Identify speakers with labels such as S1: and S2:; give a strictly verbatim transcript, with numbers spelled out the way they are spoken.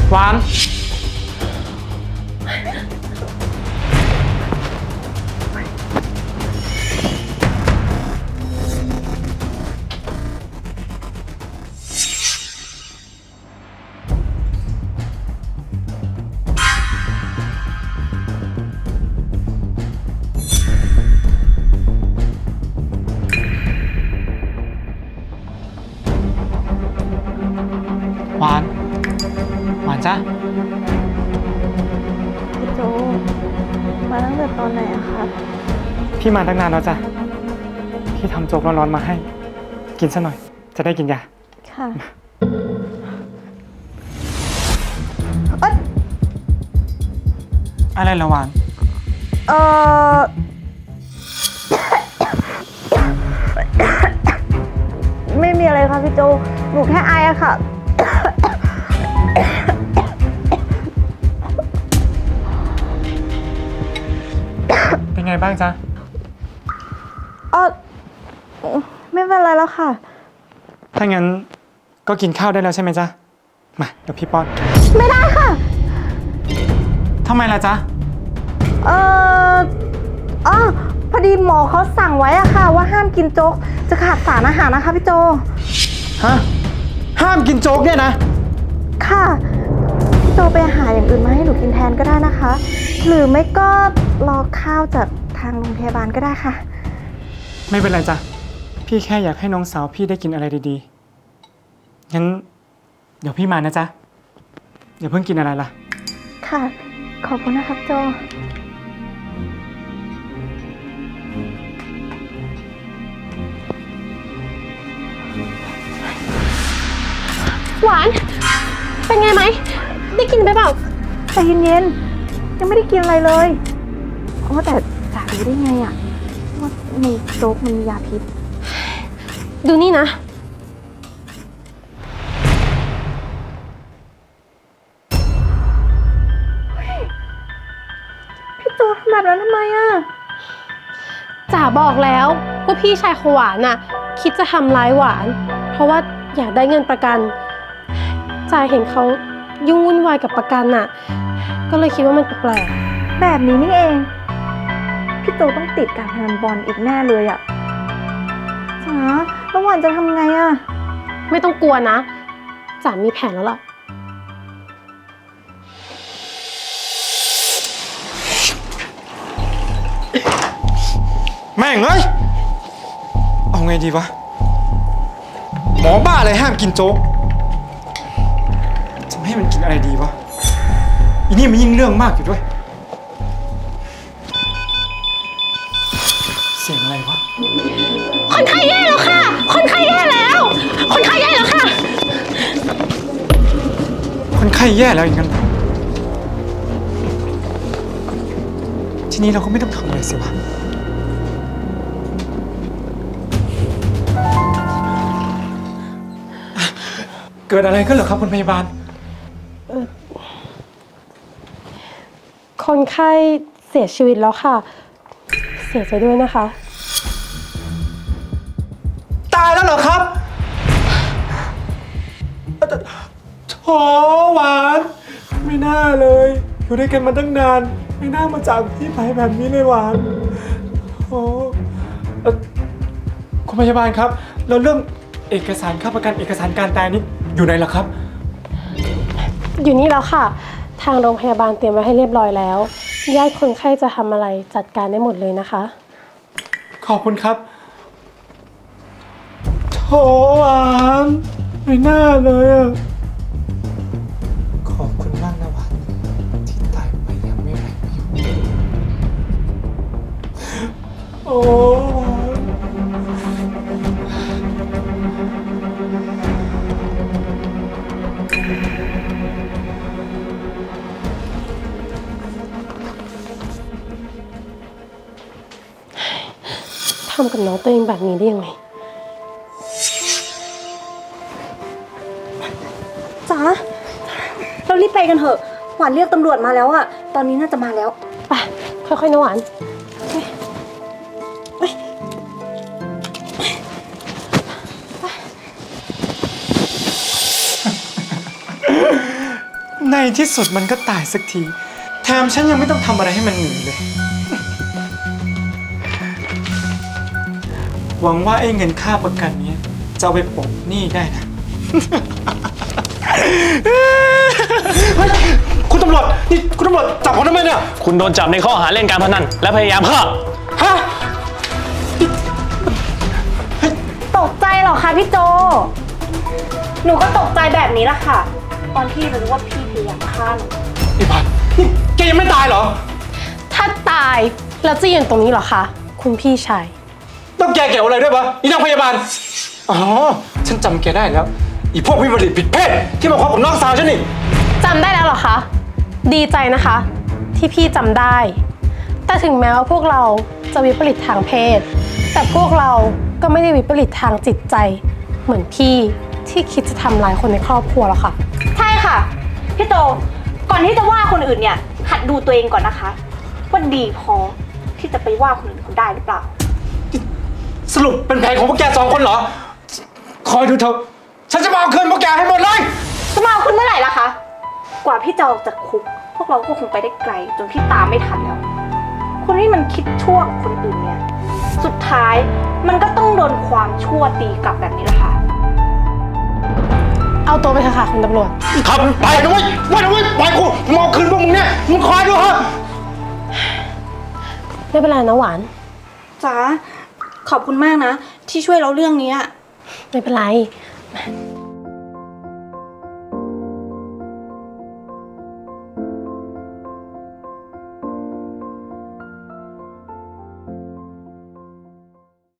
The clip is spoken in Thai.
S1: หวานหวานหวานจ้ะ
S2: พี่โจมาตั้งแต่ตอนไหนอะคะ
S1: พี่มาตั้งนานแล้วจ้ะ พี่ทำโจ๊กร้อนๆมาให้ กินซะหน่อย จะได้กินยา
S2: ค่ะเอ้ย
S1: อะไรละหวาน
S2: เออไม่มีอะไรค่ะพี่โจหนูแค่ไออะค่ะ
S1: เป็นไงบ้างจ๊ะ
S2: เออไม่เป็นไรแล้วค่ะ
S1: ถ้างั้นก็กินข้าวได้แล้วใช่ไหมจ๊ะ มาเดี๋ยวพี่ป้อน
S2: ไม่ได้ค่ะ
S1: ทำไมล่ะจ๊ะ
S2: เอออ๋อพอดีหมอเขาสั่งไว้อะค่ะ ว่าห้ามกินโจ๊กจะขาดสารอาหารนะคะพี่โจ
S1: ฮะ ห้ามกินโจ๊กเนี่ยนะ
S2: ค่ะ พี่โจไปหาอย่างอื่นมาให้หนูกินแทนก็ได้นะคะ หรือไม่ก็รอข้าวจากทางโรงพยาบาลก็ได้ค่ะ
S1: ไม่เป็นไรจ้ะ พี่แค่อยากให้น้องสาวพี่ได้กินอะไรดีๆ งั้นเดี๋ยวพี่มานะจ๊ะ อย่าเพิ่งกินอะไรล่ะ
S2: ค่ะ ขอบคุณนะครับโจ
S3: หวาน เป็นไงไหม ได้กินไปเปล่า
S2: ใจเย็นๆ ยังไม่ได้กินอะไรเลยเพราะแต่จ่ารู้ได้ไงอะว่าในโจ๊กมันมียาพิษ
S3: ดูนี่นะ
S2: พี่โจทำแบบนั้นทำไมอะ
S3: จ๋าบอกแล้วว่าพี่ชายของหวานน่ะ คิดจะทำร้ายหวาน เพราะว่าอยากได้เงินประกันจ๋าเห็นเขายุ่งวุ่นวายกับประกันน่ะ ก็เลยคิดว่ามันแปลก
S2: แบบนี้นี่เอง พี่โจต้องติดการพนันบอลอีกแน่เลยอะจ๋าแล้วหวานจะทำไงอะ
S3: ๆไม่ต้องกลัวนะจ๋ามีแผนแล้วล่ะ
S1: แม่งเอ้ย เอาไงดีวะ หมอบ้าอะไรห้ามกินโจ๊ก จะไม่ให้มันกินอะไรดีวะ อีนี่มันยิ่งเรื่องมากอยู่ด้วย เสียงอะไรวะ
S3: คนไข้แย่แล้วค่ะ คนไข้แย่แล้ว คนไข้แย่แล้วค่ะ
S1: คนไข้แย่แล้วอย่างนั้นเหรอทีนี้เราก็ไม่ต้องทำอะไรสิวะ เกิดอะไรขึ้นเหรอครับคุณพยาบาล
S3: คนไข้เสียชีวิตแล้วค่ะ เสียใจด้วยนะคะ
S1: ตายแล้วเหรอครับโถหวาน ไม่น่าเลย อยู่ด้วยกันมาตั้งนาน ไม่น่ามาจากพี่ไปแบบนี้เลยหวานโอ้เอ่อคุณพยาบาลครับ แล้วเรื่องเอกสารค่าประกันเอกสารการตายนี่อยู่ไหนล่ะครับ
S3: อยู่นี่แล้วค่ะ ทางโรงพยาบาลเตรียมไว้ให้เรียบร้อยแล้ว ญาติคนไข้จะทำอะไรจัดการได้หมดเลยนะคะ
S1: ขอบคุณครับโถหวานไม่น่าเลยอะขอบคุณมากนะหวานที่ตายไปอย่างไม่ไรประโยชน์โอ้หวาน
S3: ทำกับน้องตัวเองแบบนี้ได้ยังไง
S2: จ๋าเรารีบไปกันเถอะ หวานเรียกตำรวจมาแล้วอะตอนนี้น่าจะมาแล้ว
S3: ไป ค่อยๆนะหวาน
S1: ในที่สุดมันก็ตายสักที แถมฉันยังไม่ต้องทำอะไรให้มันหนีเลย หวังว่าไอ้เงินค่าประกันเนี้ยจะเอาไปโปะหนี้ได้นะ เฮ้ยคุณตำรวจ นี่คุณตำรวจจับผมทำไมเนี่ย
S4: คุณโดนจับในข้อหาเล่นการพนันและพยายามฆ่า
S1: ฮะ
S2: ตกใจเหรอคะพี่โจ หนูก็ตกใจแบบนี้ละค่ะ ตอนที่รู้ว่าพี่พยายามฆ่าหนู
S1: ไอ้พันนี่แกยังไม่ตายเหรอ
S3: ถ้าตายแล้วจะยืนตรงนี้เหรอคะคุณพี่ชาย
S1: ต้องแกเกี่ยวอะไรด้วยวะอีนางพยาบาล อ๋อ ฉันจำแกได้แล้ว อีพวกวิปริตผิดเพศที่มาคบกับน้องสาวฉันนี่
S3: จำได้แล้วเหรอคะ ดีใจนะคะ ที่พี่จำได้ แต่ถึงแม้ว่าพวกเราจะวิปริตทางเพศ แต่พวกเราก็ไม่ได้วิปริตทางจิตใจ เหมือนพี่ที่คิดจะทำร้ายคนในครอบครัวหรอกค่ะ
S2: ใช่ค่ะ พี่โจ ก่อนที่จะว่าคนอื่นเนี่ย หัดดูตัวเองก่อนนะคะ ว่าดีพอที่จะไปว่าคนอื่นเขาได้หรือเปล่า
S1: สรุปเป็นแผนของพวกแกสองคนเหรอ คอยดูเถอะ ฉันจะมาเอาคืนพวกแกให้หมดเลย
S2: จะมาเอาคุณเมื่อไหร่ล่ะคะ กว่าพี่จะออกจากคุก พวกเราก็คงไปได้ไกลจนพี่ตามไม่ทันแล้ว คนที่มันคิดชั่วกับคนอื่นเนี่ย สุดท้ายมันก็ต้องโดนความชั่วตีกลับแบบนี้แหละค่ะ
S3: เอาตัวไปเถอะค่ะคุณตำรวจ
S1: ครับ ไปนะเว้ยไปนะเว้ยไปกูมเอาคืนพวกมึงเนี่ย มึงคอยดูเถอะ
S3: ไม่เป็นไรนะหวาน
S2: จ๋า ขอบคุณมากนะ ที่ช่วยเราเรื่องนี้
S3: ไม่เป็นไร